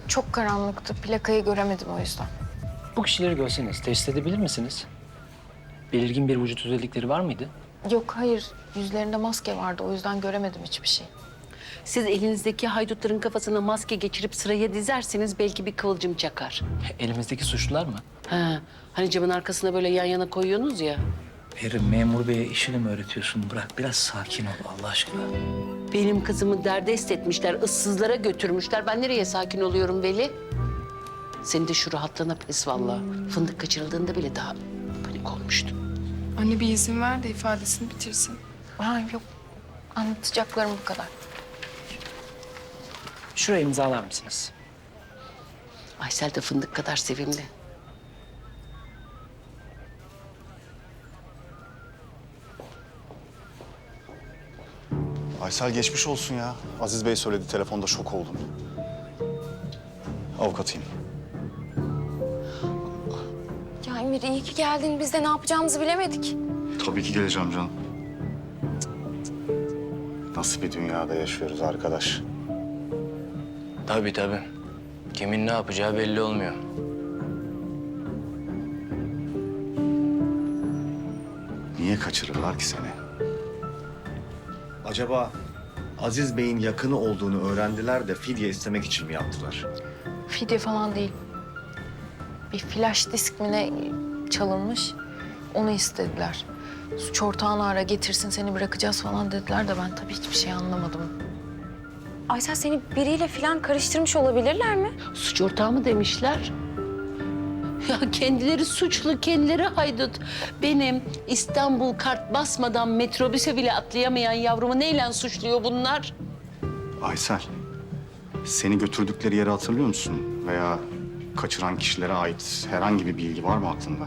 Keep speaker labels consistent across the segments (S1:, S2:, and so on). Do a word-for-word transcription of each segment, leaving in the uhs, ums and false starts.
S1: Çok karanlıktı. Plakayı göremedim o yüzden.
S2: Bu kişileri görseniz teşhis edebilir misiniz? Belirgin bir vücut özellikleri var mıydı?
S1: Yok hayır. Yüzlerinde maske vardı. O yüzden göremedim hiçbir şey.
S3: Siz elinizdeki haydutların kafasına maske geçirip sıraya dizerseniz belki bir kıvılcım çakar.
S2: Elimizdeki suçlular mı?
S3: Ha, hani camın arkasına böyle yan yana koyuyorsunuz ya.
S2: Peri, memur beye işini mi öğretiyorsun? Bırak biraz sakin ol Allah aşkına.
S3: Benim kızımı derdest etmişler, ıssızlara götürmüşler. Ben nereye sakin oluyorum Veli? Senin de şu rahatlığına pes vallahi. Fındık kaçırıldığında bile daha panik olmuştum.
S4: Anne bir izin ver de ifadesini bitirsin.
S1: Ha, yok. Anlatacaklarım bu kadar.
S2: Şuraya imzalar mısınız?
S3: Aysel de fındık kadar sevimli.
S5: Aysel geçmiş olsun ya. Aziz Bey söyledi telefonda, şok oldum. Avukatıyım.
S1: Ya Emir iyi ki geldin. Biz de ne yapacağımızı bilemedik.
S5: Tabii ki geleceğim canım. Nasıl bir dünyada yaşıyoruz arkadaş?
S2: Tabii tabii. Kimin ne yapacağı belli olmuyor.
S5: Niye kaçırırlar ki seni? Acaba Aziz Bey'in yakını olduğunu öğrendiler de fidye istemek için mi yaptılar?
S1: Fidye falan değil. Bir flash disk mi ne çalınmış. Onu istediler. Suç ortağını ara getirsin seni bırakacağız falan dediler de ben tabii hiçbir şey anlamadım.
S6: Aysel seni biriyle falan karıştırmış olabilirler mi?
S3: Suç ortağı mı demişler? Ya kendileri suçlu, kendileri haydut. Benim İstanbul kart basmadan metrobüse bile atlayamayan yavrumu neyle suçluyor bunlar?
S5: Aysel, seni götürdükleri yeri hatırlıyor musun? Veya kaçıran kişilere ait herhangi bir bilgi var mı aklında?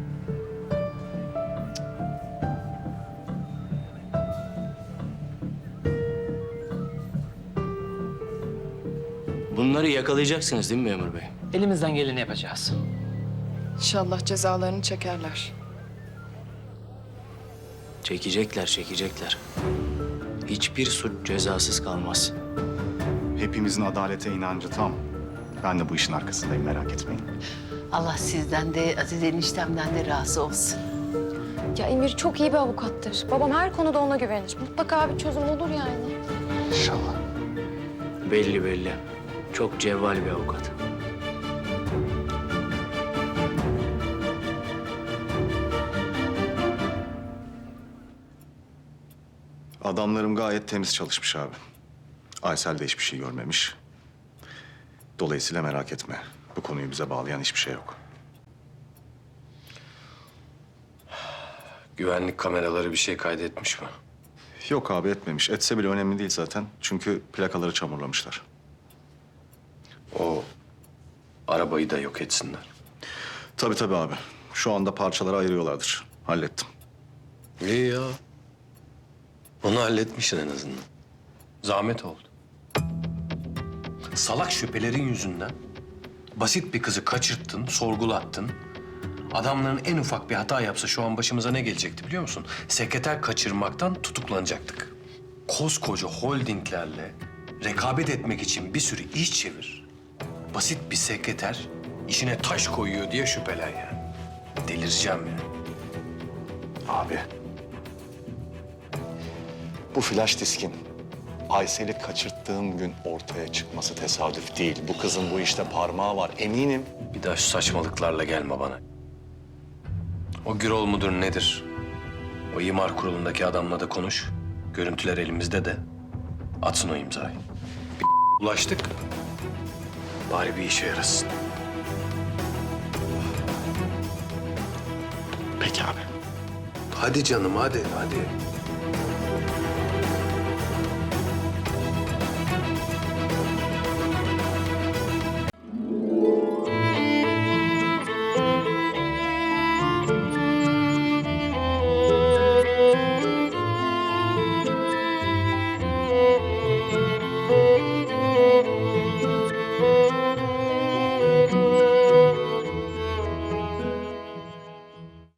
S7: Bunları yakalayacaksınız değil mi memur bey?
S2: Elimizden geleni yapacağız.
S4: İnşallah cezalarını çekerler.
S7: Çekecekler, çekecekler. Hiçbir suç cezasız kalmaz.
S5: Hepimizin adalete inancı tam. Ben de bu işin arkasındayım, merak etmeyin.
S3: Allah sizden de Aziz eniştemden de razı olsun.
S6: Ya Emir çok iyi bir avukattır. Babam her konuda ona güvenir. Mutlaka bir çözüm olur yani.
S5: İnşallah.
S7: Belli belli. Çok cevval bir avukat.
S5: Adamlarım gayet temiz çalışmış abi. Aysel de hiçbir şey görmemiş. Dolayısıyla merak etme. Bu konuyu bize bağlayan hiçbir şey yok.
S8: Güvenlik kameraları bir şey kaydetmiş mi?
S5: Yok abi, etmemiş. Etse bile önemli değil zaten. Çünkü plakaları çamurlamışlar.
S8: O arabayı da yok etsinler.
S5: Tabii tabii abi. Şu anda parçalara ayırıyorlardır. Hallettim.
S8: İyi ya. Onu halletmişsin en azından. Zahmet oldu. Salak şüphelerin yüzünden basit bir kızı kaçırttın, sorgulattın. Adamların en ufak bir hata yapsa şu an başımıza ne gelecekti biliyor musun? Sekreter kaçırmaktan tutuklanacaktık. Koskoca holdinglerle rekabet etmek için bir sürü iş çevir. Basit bir sekreter işine taş koyuyor diye şüphelen yani. Delireceğim yani.
S5: Abi. Bu flash diskin Aysel'i kaçırttığım gün ortaya çıkması tesadüf değil. Bu kızın bu işte parmağı var, eminim.
S8: Bir daha şu saçmalıklarla gelme bana. O Gürol mudur nedir? O imar kurulundaki adamla da konuş. Görüntüler elimizde de. Atsın o imzayı. Bir ulaştık. Bari bir işe yarasın.
S5: Peki abi.
S8: Hadi canım hadi hadi.